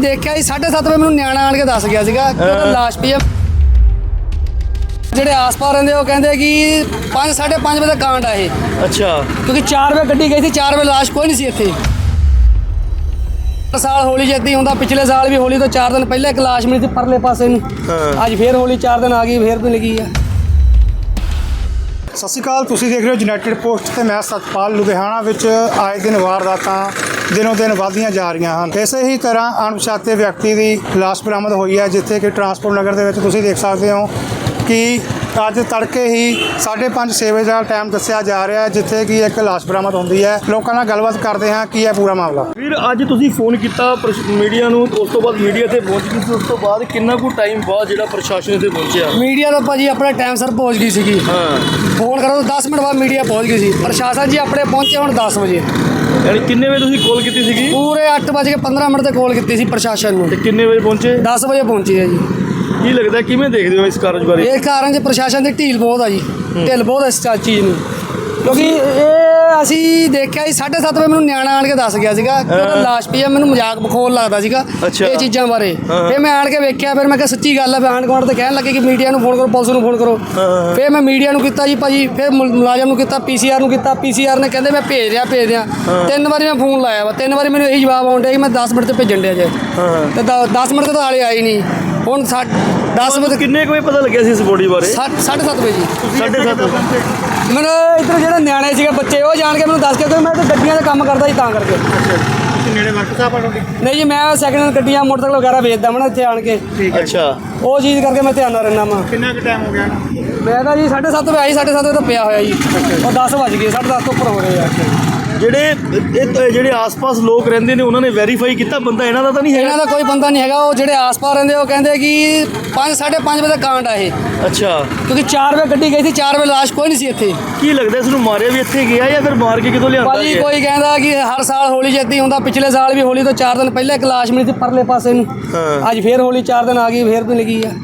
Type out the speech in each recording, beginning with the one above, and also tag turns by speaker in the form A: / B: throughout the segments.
A: देखा जी 7:30 ਵਜੇ ਮੈਨੂੰ ਨਿਆਣਾ ਆਣ ਕੇ ਦੱਸ ਗਿਆ ਸੀਗਾ ਕਿ ਉਹਦਾ ਲਾਸ਼ ਪਈ ਆ। ਜਿਹੜੇ ਆਸ-ਪਾਸ ਰਹਿੰਦੇ ਉਹ ਕਹਿੰਦੇ ਕਿ 5:30 ਵਜੇ ਦਾ ਕਾਂਡ ਆ ਇਹ।
B: ਅੱਛਾ।
A: ਕਿਉਂਕਿ 4 ਵਜੇ ਗੱਡੀ ਗਈ ਸੀ, 4 ਵਜੇ ਲਾਸ਼ ਕੋਈ ਨਹੀਂ ਸੀ ਇੱਥੇ। ਸਾਲ ਹੋਲੀ ਜਿੱਦੀ ਹੁੰਦਾ, ਪਿਛਲੇ ਸਾਲ ਵੀ ਹੋਲੀ ਤੋਂ 4 ਦਿਨ ਪਹਿਲਾਂ ਇੱਕ ਲਾਸ਼ ਮਿਲੀ ਸੀ ਪਰਲੇ ਪਾਸੇ ਨੂੰ। ਅੱਜ ਫੇਰ ਹੋਲੀ 4 ਦਿਨ ਆ ਗਈ, ਫੇਰ ਵੀ ਲੱਗੀ ਆ।
C: ਸਤਿ ਸ਼੍ਰੀ ਅਕਾਲ, ਤੁਸੀਂ ਦੇਖ ਰਹੇ ਹੋ ਯੂਨਾਈਟਿਡ ਪੋਸਟ ਤੇ ਮੈਂ ਸਤਪਾਲ। ਲੁਧਿਆਣਾ ਵਿੱਚ ਆਏ ਦਿਨ ਵਾਰਦਾਤਾਂ ਦਿਨੋਂ ਦਿਨ ਵਧਦੀਆਂ ਜਾ ਰਹੀਆਂ ਹਨ। ਇਸੇ ਹੀ ਤਰ੍ਹਾਂ ਅਣਪਛਾਤੇ ਵਿਅਕਤੀ ਦੀ ਲਾਸ਼ ਬਰਾਮਦ ਹੋਈ ਹੈ, ਜਿੱਥੇ ਕਿ ਟਰਾਂਸਪੋਰਟ ਨਗਰ ਦੇ ਵਿੱਚ ਤੁਸੀਂ ਦੇਖ ਸਕਦੇ ਹੋ ਕਿ ਅੱਜ ਤੜਕੇ ਹੀ 5:30 6 ਵਜੇ ਦਾ ਟਾਈਮ ਦੱਸਿਆ ਜਾ ਰਿਹਾ ਹੈ, ਜਿੱਥੇ ਕਿ ਇੱਕ ਲਾਸ਼ ਬਰਾਮਦ ਹੁੰਦੀ ਹੈ। ਲੋਕਾਂ ਨਾਲ ਗੱਲਬਾਤ ਕਰਦੇ ਹਾਂ ਕੀ ਹੈ ਪੂਰਾ ਮਾਮਲਾ।
B: ਫਿਰ ਅੱਜ ਤੁਸੀਂ ਫੋਨ ਕੀਤਾ ਮੀਡੀਆ ਨੂੰ, ਉਸ ਤੋਂ ਬਾਅਦ ਮੀਡੀਆ ਤੇ ਪਹੁੰਚ ਗਈ ਸੀ। ਉਸ ਤੋਂ ਬਾਅਦ ਕਿੰਨਾ ਕੁ ਟਾਈਮ ਬਾਅਦ ਜਿਹੜਾ ਪ੍ਰਸ਼ਾਸਨ ਇੱਥੇ ਪਹੁੰਚਿਆ?
A: ਮੀਡੀਆ ਤਾਂ ਭਾਜੀ ਆਪਣੇ ਟਾਈਮ ਸਿਰ ਪਹੁੰਚ ਗਈ ਸੀਗੀ। ਫੋਨ ਕਰੋ ਤਾਂ 10 ਮਿੰਟ ਬਾਅਦ ਮੀਡੀਆ ਪਹੁੰਚ ਗਈ ਸੀ। ਪ੍ਰਸ਼ਾਸਨ ਜੀ ਆਪਣੇ ਪਹੁੰਚੇ ਹੁਣ 10 ਵਜੇ।
B: ਯਾਨੀ ਕਿੰਨੇ ਵਜੇ ਤੁਸੀਂ ਕਾਲ ਕੀਤੀ ਸੀਗੀ?
A: ਪੂਰੇ 8:15 ਮਿੰਟ ਤੇ ਕਾਲ ਕੀਤੀ ਸੀ ਪ੍ਰਸ਼ਾਸਨ ਨੂੰ।
B: ਤੇ ਕਿੰਨੇ ਵਜੇ ਪਹੁੰਚੇ?
A: 10 ਵਜੇ ਪਹੁੰਚੀ ਹੈ ਜੀ।
B: ਕੀ ਲੱਗਦਾ, ਕਿਵੇਂ ਦੇਖਦੇ ਹੋ ਇਸ ਕਾਰਜ ਬਾਰੇ?
A: ਇਹ ਕਾਰਨ 'ਚ ਪ੍ਰਸ਼ਾਸਨ ਦੀ ਢੀਲ ਬਹੁਤ ਆ ਜੀ, ਢਿੱਲ ਬਹੁਤ ਇਸ ਚੀਜ਼ ਨੂੰ। ਕਿਉਂਕਿ ਇਹ ਅਸੀਂ ਦੇਖਿਆ ਜੀ 7:30 ਵਜੇ ਮੈਨੂੰ ਨਿਆਣਾ ਆਣ ਕੇ ਦੱਸ ਗਿਆ ਸੀਗਾ ਕਿ ਉਹਦਾ ਲਾਸ਼ ਪਈ ਆ। ਮੈਨੂੰ ਮਜ਼ਾਕ ਬਖੋਲ ਲੱਗਦਾ ਸੀਗਾ ਇਹ ਚੀਜ਼ਾਂ ਬਾਰੇ। ਫਿਰ ਮੈਂ ਆਣ ਕੇ ਵੇਖਿਆ, ਫਿਰ ਮੈਂ ਕਿਹਾ ਸੱਚੀ ਗੱਲ ਆ। ਫਿਰ ਆਂਢ ਗੁਆਂਢ ਤੇ ਕਹਿਣ ਲੱਗੇ ਕਿ ਮੀਡੀਆ ਨੂੰ ਫੋਨ ਕਰੋ, ਪੁਲਿਸ ਨੂੰ ਫੋਨ ਕਰੋ। ਫਿਰ ਮੈਂ ਮੀਡੀਆ ਨੂੰ ਕੀਤਾ ਜੀ ਭਾਜੀ, ਫਿਰ ਮੁਲਾਜ਼ਮ ਨੂੰ ਕੀਤਾ, PCR ਨੂੰ ਕੀਤਾ। PCR ਨੇ ਕਹਿੰਦੇ ਮੈਂ ਭੇਜ ਰਿਹਾ 3 ਵਾਰੀ ਮੈਂ ਫੋਨ ਲਾਇਆ ਵਾ, 3 ਵਾਰੀ ਮੈਨੂੰ ਇਹੀ ਜਵਾਬ ਆਉਣ ਡਿਆ ਕਿ ਮੈਂ 10 ਮਿੰਟ 'ਤੇ ਭੇਜਣ ਡਿਆ ਜੇ। ਤੇ 10 ਮਿੰਟ ਤੋਂ ਹਾਲੇ ਆਏ ਨਹੀਂ। ਹੁਣ 10 ਵਜੇ
B: ਕਿੰਨੇ ਕੁ ਵਜੇ ਪਤਾ ਲੱਗਿਆ ਸੀ ਇਸ ਬੋਡੀ ਬਾਰੇ?
A: 7:30 ਵਜੇ ਜੀ।
B: 7:30
A: ਮੈਨੂੰ ਇੱਧਰ ਜਿਹੜੇ ਨਿਆਣੇ ਸੀਗੇ ਬੱਚੇ, ਉਹ ਜਾਣ ਕੇ ਮੈਨੂੰ ਦੱਸ ਕੇ ਕਿ ਮੈਂ ਤਾਂ ਗੱਡੀਆਂ ਦਾ ਕੰਮ ਕਰਦਾ ਸੀ ਤਾਂ ਕਰਕੇ।
C: ਤੁਸੀਂ ਨੇੜੇ ਵਰਕ ਸਾਹਿਬ ਆ?
A: ਨਹੀਂ ਜੀ, ਮੈਂ ਸੈਕਿੰਡ ਹੈਂਡ ਗੱਡੀਆਂ ਮੋਟਰਸਾਈਕਲ ਵਗੈਰਾ ਵੇਚਦਾ ਮੈਂ ਇੱਥੇ ਆਣ ਕੇ।
B: ਅੱਛਾ।
A: ਉਹ ਚੀਜ਼ ਕਰਕੇ ਮੈਂ ਧਿਆਨ ਨਾਲ ਰਹਿਣਾ ਵਾ।
C: ਕਿੰਨਾ ਕੁ ਟਾਈਮ ਹੋ ਗਿਆ?
A: ਮੈਂ ਤਾਂ ਜੀ 7:30 ਵਜੇ ਆਈ, 7:30 ਵਜੇ ਤਾਂ ਪਿਆ ਹੋਇਆ ਜੀ। ਉਹ 10 ਵੱਜ ਗਏ, 10:30 ਤੋਂ ਉੱਪਰ ਹੋ ਰਹੇ ਆ।
B: ਜਿਹੜੇ ਆਸ-ਪਾਸ ਲੋਕ ਰਹਿੰਦੇ ਨੇ ਉਹਨਾਂ ਨੇ ਵੈਰੀਫਾਈ ਕੀਤਾ ਬੰਦਾ ਇਹਨਾਂ ਦਾ ਤਾਂ ਨਹੀਂ ਹੈਗਾ?
A: ਇਹਨਾਂ ਦਾ ਕੋਈ ਬੰਦਾ ਨਹੀਂ ਹੈਗਾ। ਉਹ ਜਿਹੜੇ ਆਸ-ਪਾਸ ਰਹਿੰਦੇ ਉਹ ਕਹਿੰਦੇ ਕਿ 5:30 ਵਜੇ ਦਾ ਕਾਂਡ ਆ ਇਹ।
B: ਅੱਛਾ।
A: ਕਿਉਂਕਿ 4 ਵਜੇ ਗੱਡੀ ਗਈ ਸੀ, 4 ਵਜੇ ਲਾਸ਼ ਕੋਈ ਨਹੀਂ ਸੀ ਇੱਥੇ।
B: ਕੀ ਲੱਗਦਾ ਇਸ ਨੂੰ ਮਾਰਿਆ ਵੀ ਇੱਥੇ ਗਿਆ ਜਾਂ ਫਿਰ ਮਾਰ ਕੇ ਕਿਤੋਂ ਲਿਆਂਦਾ?
A: ਭਾਜੀ ਕੋਈ ਕਹਿੰਦਾ ਕਿ ਹਰ ਸਾਲ ਹੋਲੀ ਜਿੱਦੀ ਹੁੰਦਾ, ਪਿਛਲੇ ਸਾਲ ਵੀ ਹੋਲੀ ਤੋਂ 4 ਦਿਨ ਪਹਿਲਾਂ ਇੱਕ ਲਾਸ਼ ਮਿਲੀ ਸੀ ਪਰਲੇ ਪਾਸੇ ਨੂੰ। ਅੱਜ ਫੇਰ ਹੋਲੀ 4 ਦਿਨ ਆ ਗਈ, ਫੇਰ ਵੀ ਲੱਗੀ ਆ।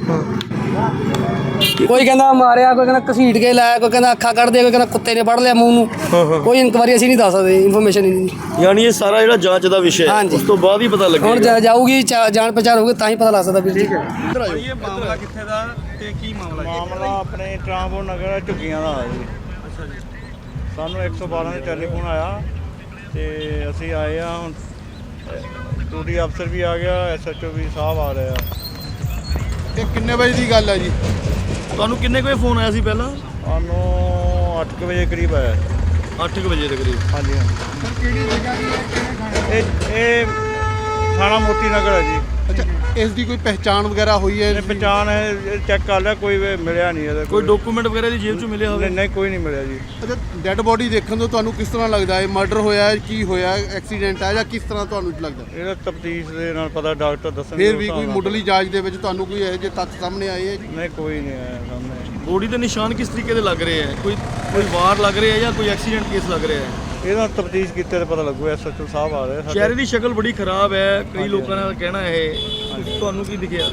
A: ਕੋਈ ਕਹਿੰਦਾ ਮਾਰਿਆ, ਕੋਈ ਕਹਿੰਦਾ ਘਸੀਟ ਕੇ ਲਾਇਆ, ਕੋਈ ਕਹਿੰਦਾ ਅੱਖਾਂ ਕੱਢ ਦੇ, ਕੋਈ ਕਹਿੰਦਾ ਕੁੱਤੇ ਨੇ ਫੜ ਲਿਆ ਮੂੰਹ ਨੂੰ। ਕੋਈ ਇਨਕੁਆਰੀ ਅਸੀਂ ਨਹੀਂ ਦੱਸ ਸਕਦੇ, ਇਨਫੋਰਮੇਸ਼ਨ ਹੀ ਨਹੀਂ।
B: ਯਾਨੀ ਇਹ ਸਾਰਾ ਜਿਹੜਾ ਜਾਂਚ ਦਾ ਵਿਸ਼ਾ ਹੈ, ਉਸ ਤੋਂ ਬਾਅਦ ਹੀ ਪਤਾ ਲੱਗੇਗਾ।
A: ਹੁਣ ਜਾਊਗੀ ਜਾਣ ਪਛਾਣ ਹੋਊਗੀ ਤਾਂ ਹੀ ਪਤਾ ਲੱਗ ਸਕਦਾ ਵੀਰ ਜੀ।
D: ਇਹ ਮਾਮਲਾ ਕਿੱਥੇ ਦਾ ਤੇ ਕੀ ਮਾਮਲਾ? ਮਾਮਲਾ ਆਪਣੇ ਟਰਾਂਸਪੋਰਟ ਨਗਰ ਝੁੱਗੀਆਂ ਦਾ ਆ ਜੀ। ਅੱਛਾ ਜੀ। ਸਾਨੂੰ 112 ਦੇ ਟੈਲੀਫੋਨ ਆਇਆ ਤੇ ਅਸੀਂ ਆਏ ਆ। ਹੁਣ ਡਿਊਟੀ ਅਫਸਰ ਵੀ ਆ ਗਿਆ, SHO ਵੀ ਸਾਹਿਬ ਆ ਰਹੇ ਆ।
E: ਇਹ ਕਿੰਨੇ ਵਜੇ ਦੀ ਗੱਲ ਹੈ ਜੀ?
B: ਤੁਹਾਨੂੰ ਕਿੰਨੇ ਕੁ ਵਜੇ ਫੋਨ ਆਇਆ ਸੀ ਪਹਿਲਾਂ?
D: ਸਾਨੂੰ 8 ਵਜੇ ਕਰੀਬ ਆਇਆ।
B: 8 ਵਜੇ ਦੇ ਕਰੀਬ।
D: ਹਾਂਜੀ ਹਾਂਜੀ।
E: ਕਿਹੜੀ ਜਗ੍ਹਾ ਦੀ ਹੈ, ਕਿਹੜੇ ਥਾਣੇ?
D: ਇਹ ਥਾਣਾ ਮੋਤੀ ਨਗਰ ਹੈ ਜੀ।
E: ਅੱਛਾ, ਇਸ ਦੀ ਕੋਈ ਪਹਿਚਾਣ ਵਗੈਰਾ ਹੋਈ ਹੈ?
D: ਇਹਨੇ ਪਛਾਣ ਚੈੱਕ ਕਰ ਲਿਆ, ਕੋਈ ਮਿਲਿਆ ਨਹੀਂ ਇਹਦਾ।
B: ਕੋਈ ਡਾਕੂਮੈਂਟ ਵਗੈਰਾ ਦੀ ਜੇਬ 'ਚੋਂ ਮਿਲਿਆ ਹੋਵੇ?
D: ਨਹੀਂ, ਕੋਈ ਨਹੀਂ ਮਿਲਿਆ ਜੀ।
E: ਅੱਛਾ, ਡੈੱਡ ਬੋਡੀ ਦੇਖਣ ਤੋਂ ਤੁਹਾਨੂੰ ਕਿਸ ਤਰ੍ਹਾਂ ਲੱਗਦਾ ਹੈ? ਮਰਡਰ ਹੋਇਆ ਹੈ, ਕੀ ਹੋਇਆ, ਐਕਸੀਡੈਂਟ ਹੈ ਜਾਂ ਕਿਸ ਤਰ੍ਹਾਂ ਤੁਹਾਨੂੰ ਲੱਗਦਾ?
D: ਇਹਦਾ ਤਫਤੀਸ਼ ਦੇ ਨਾਲ ਪਤਾ, ਡਾਕਟਰ ਦੱਸਣਗੇ।
E: ਫਿਰ ਵੀ ਕੋਈ ਮੁੱਢਲੀ ਜਾਂਚ ਦੇ ਵਿੱਚ ਤੁਹਾਨੂੰ ਕੋਈ ਇਹੋ ਜਿਹੇ ਤੱਥ ਸਾਹਮਣੇ ਆਏ ਹੈ ਜੀ?
D: ਨਹੀਂ, ਕੋਈ ਨਹੀਂ ਆਇਆ ਸਾਹਮਣੇ।
B: ਬੋਡੀ ਦੇ ਨਿਸ਼ਾਨ ਕਿਸ ਤਰੀਕੇ ਦੇ ਲੱਗ ਰਹੇ ਹੈ? ਕੋਈ ਵਾਰ ਲੱਗ ਰਿਹਾ ਹੈ ਜਾਂ ਕੋਈ ਐਕਸੀਡੈਂਟ ਕੇਸ ਲੱਗ ਰਿਹਾ ਹੈ?
D: ਇਹਦਾ ਤਫਤੀਸ਼ ਕੀਤੇ ਤਾਂ ਪਤਾ ਲੱਗੂ। SHO ਸਾਹਿਬ ਆ ਰਹੇ।
B: ਚਿਹਰੇ ਦੀ ਸ਼ਕਲ ਬੜੀ ਖਰਾਬ ਹੈ, ਕਈ ਲੋਕਾਂ ਦਾ ਕਹਿਣਾ ਇਹ। ਤੁਹਾਨੂੰ ਕੀ ਦਿਖਿਆ?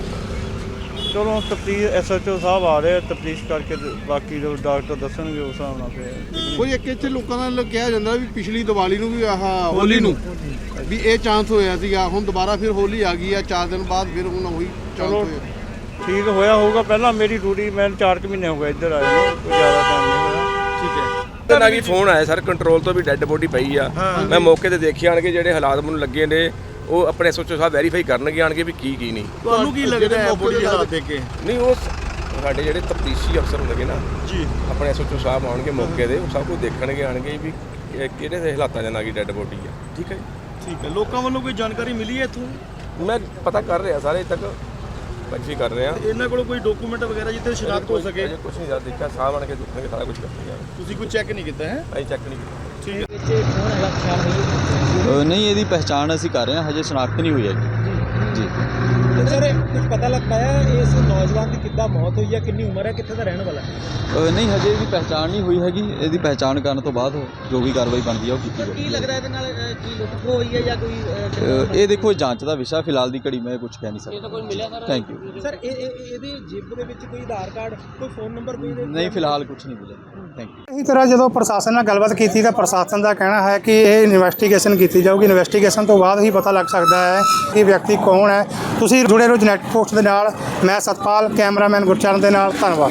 D: ਚਲੋ ਤਫਤੀਸ਼, SHO ਸਾਹਿਬ ਆ ਰਹੇ, ਤਫਤੀਸ਼ ਕਰਕੇ ਬਾਕੀ ਜੋ ਡਾਕਟਰ ਦੱਸਣਗੇ ਉਸ ਹਿਸਾਬ ਨਾਲ ਫਿਰ।
E: ਕੋਈ ਇੱਕ ਇੱਥੇ ਲੋਕਾਂ ਨਾਲ ਕਿਹਾ ਜਾਂਦਾ ਵੀ ਪਿਛਲੀ ਦੀਵਾਲੀ ਨੂੰ ਵੀ ਹੋਲੀ ਨੂੰ ਵੀ ਇਹ ਚਾਂਸ ਹੋਇਆ ਸੀਗਾ, ਹੁਣ ਦੁਬਾਰਾ ਫਿਰ ਹੋਲੀ ਆ ਗਈ ਆ 4 ਦਿਨ ਬਾਅਦ, ਫਿਰ ਹੁਣ ਉਹੀ ਚਾਂਸ ਹੋਇਆ।
D: ਠੀਕ ਹੋਇਆ ਹੋਊਗਾ। ਪਹਿਲਾਂ ਮੇਰੀ ਡਿਊਟੀ, ਮੈਨੂੰ 4 ਮਹੀਨੇ ਹੋ ਗਏ ਇੱਧਰ ਆਏ ਨੂੰ, ਕੋਈ ਜ਼ਿਆਦਾ ਟਾਈਮ ਨਹੀਂ ਹੋਇਆ।
B: ਠੀਕ ਹੈ।
F: ਨਾ ਕੀ ਫੋਨ ਆਇਆ ਸਰ, ਕੰਟਰੋਲ ਤੋਂ ਵੀ ਡੈੱਡ ਬੋਡੀ ਪਈ ਆ। ਮੈਂ ਮੌਕੇ ਤੇ ਦੇਖਿਆ ਆਣ ਕੇ ਜਿਹੜੇ ਹਾਲਾਤ ਮੈਨੂੰ ਲੱਗੇ ਨੇ, ਉਹ ਆਪਣੇ SHO ਸਾਹਿਬ ਵੈਰੀਫਾਈ ਕਰਨਗੇ ਆਣ ਕੇ ਵੀ ਕੀ ਨਹੀਂ।
B: ਤੁਹਾਨੂੰ ਕੀ ਲੱਗਦਾ ਹੈ ਬੋਡੀ ਦੇ ਹਾਲਾਤ ਦੇਖ ਕੇ?
F: ਨਹੀਂ, ਉਹ ਸਾਡੇ ਜਿਹੜੇ ਤਫਤੀਸ਼ੀ ਅਫਸਰ ਹੁੰਦੇ ਨਾ ਜੀ, ਆਪਣੇ SHO ਸਾਹਿਬ ਆਉਣਗੇ ਮੌਕੇ ਦੇ, ਉਹ ਸਭ ਕੁਝ ਦੇਖਣਗੇ ਆਣਗੇ ਵੀ ਕਿਹੜੇ ਦੇ ਹਾਲਾਤਾਂ ਦੇ ਨਾਲ ਕੀ ਡੈੱਡ ਬੋਡੀ ਆ। ਠੀਕ ਹੈ ਜੀ।
B: ਠੀਕ ਹੈ। ਲੋਕਾਂ ਵੱਲੋਂ ਕੋਈ ਜਾਣਕਾਰੀ ਮਿਲੀ ਹੈ ਇੱਥੋਂ?
F: ਮੈਂ ਪਤਾ ਕਰ ਰਿਹਾ ਸਾਰੇ ਤੱਕ ਵੈਰੀਫਾਈ ਕਰ ਰਹੇ ਆ।
B: ਇਹਨਾਂ ਕੋਲ ਕੋਈ ਡਾਕੂਮੈਂਟ ਵਗੈਰਾ ਜਿੱਥੇ ਸ਼ਨਾਖਤ ਹੋ ਸਕੇ?
F: ਕੁਝ ਨਹੀਂ ਜ਼ਿਆਦਾ ਦੇਖਿਆ, ਸਾਹਿਬ ਆਣ ਕੇ ਦੇਖਣਗੇ, ਸਾਰਾ ਕੁਝ ਕਰਨਗੇ।
B: ਤੁਸੀਂ ਕੋਈ ਚੈੱਕ ਨਹੀਂ ਕੀਤਾ ਹੈ?
F: ਅਸੀਂ ਚੈੱਕ ਨਹੀਂ ਕੀਤਾ।
B: ਠੀਕ ਹੈ।
G: ਨਹੀਂ, ਇਹਦੀ ਪਹਿਚਾਣ ਅਸੀਂ ਕਰ ਰਹੇ ਹਾਂ, ਹਜੇ ਸ਼ਨਾਖਤ ਨਹੀਂ ਹੋਈ ਹੈ ਜੀ। ਜੀ।
H: ਤੇ ਸਰ ਕੁਝ ਪਤਾ ਲੱਗ ਪਾਇਆ ਇਸ ਨੌਜਵਾਨ ਦੀ ਕਿੱਦਾਂ ਮੌਤ ਹੋਈ ਹੈ, ਕਿੰਨੀ ਉਮਰ ਹੈ, ਕਿੱਥੇ ਦਾ ਰਹਿਣ ਵਾਲਾ ਹੈ?
G: ਨਹੀਂ, ਹਜੇ ਇਹਦੀ ਪਹਿਚਾਣ ਨਹੀਂ ਹੋਈ ਹੈਗੀ। ਇਹਦੀ ਪਹਿਚਾਣ ਕਰਨ ਤੋਂ ਬਾਅਦ ਜੋ ਵੀ ਕਾਰਵਾਈ ਬਣਦੀ ਆ ਉਹ ਕੀਤੀ
H: ਕੀ
G: ਜਾਵੇਗੀ।
H: ਲੱਗਦਾ ਇਹਦੇ ਨਾਲ ਕੀ ਲੁੱਟ ਖੋਹ ਹੋਈ ਹੈ ਜਾਂ ਕੋਈ
G: ਇਹ ਦੇਖੋ ਜਾਂਚ ਦਾ ਵਿਸ਼ਾ, ਫਿਲਹਾਲ ਦੀ ਘੜੀ ਮੈਂ ਕੁਝ ਕਹਿ ਨਹੀਂ ਸਕਦਾ। Thank you.
H: ਸਰ ਇਹਦੇ ਜੇਬ ਦੇ ਵਿੱਚ ਕੋਈ ਆਧਾਰ ਕਾਰਡ, ਕੋਈ ਫੋਨ ਨੰਬਰ, ਕੋਈ
G: ਨਹੀਂ, ਫਿਲਹਾਲ ਕੁਝ ਨਹੀਂ ਮਿਲਿਆ। Thank you.
C: ਇਸੇ ਤਰ੍ਹਾਂ ਜਦੋਂ ਪ੍ਰਸ਼ਾਸਨ ਨਾਲ ਗੱਲਬਾਤ ਕੀਤੀ ਤਾਂ ਪ੍ਰਸ਼ਾਸਨ ਦਾ ਕਹਿਣਾ ਹੈ ਕਿ ਇਹ ਇਨਵੈਸਟੀਗੇਸ਼ਨ ਕੀਤੀ ਜਾਊਗੀ। ਇਨਵੈਸਟੀਗੇਸ਼ਨ ਤੋਂ ਬਾਅਦ ਹੀ ਪਤਾ ਲੱਗ ਸਕਦਾ ਹੈ ਕਿ ਵਿਅਕਤੀ ਕੌਣ ਹੈ। ਤੁਸੀਂ ਜੁੜੇ ਰਹੋ ਯੂਨਾਈਟਿਡ ਪੋਸਟ ਦੇ ਨਾਲ। ਮੈਂ ਸਤਪਾਲ, ਕੈਮਰਾਮੈਨ ਗੁਰਚਰਨ ਦੇ ਨਾਲ। ਧੰਨਵਾਦ।